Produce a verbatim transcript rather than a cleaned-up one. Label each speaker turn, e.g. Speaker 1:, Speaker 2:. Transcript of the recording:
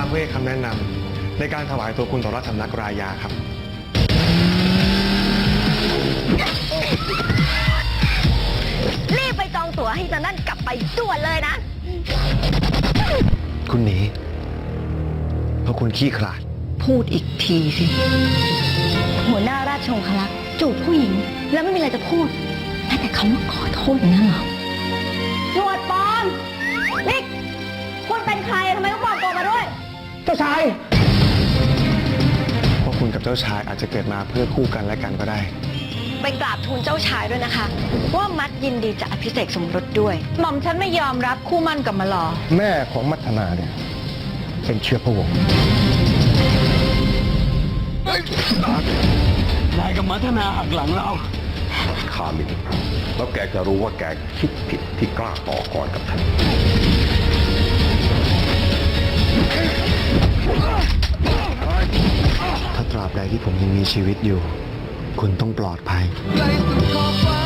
Speaker 1: เพื่อให้คำแนะนำในการถวายตัวคุณต่อราชสำนักรายาครับ
Speaker 2: รีบไปจองตั๋วให้จันนั่นกลับไปด่วนเลยนะ
Speaker 1: คุณหนีเพราะคุณขี้ขลาด
Speaker 2: พูดอีกทีสิ หัวหน้าราชองครักษ์จูบผู้หญิง แล้วไม่มีอะไรจะพูดแม้แต่คำว่าขอโทษอย่างนั้นเหรอหนวดปลอมนิกคุณเป็นใครทำไมต้องปลอมตัวมาด้วย
Speaker 1: เจ้าชายเพราะคุณกับเจ้าชายอาจจะเกิดมาเพื่อคู่กันและกันก็ได้
Speaker 2: ไปกราบทูลเจ้าชายด้วยนะคะ ว่ามัดยินดีจะอภิเษกสมรสด้วย หม่อมฉันไม่ยอมรับคู่มั่นกับมาลอ
Speaker 1: แม่ของมัทนาเนี่ยเป็นเชื้อพระวงศ์
Speaker 3: นายกับมัทนาหักหลังเรา
Speaker 4: ข้ามินแล้วแกจะรู้ว่าแกคิดผิดที่กล้าต่อกรกับฉัน
Speaker 1: ถ้าตราบใดที่ผมยังมีชีวิตอยู่ คุณต้องปลอดภัย
Speaker 3: ในสุดขอบฟ้า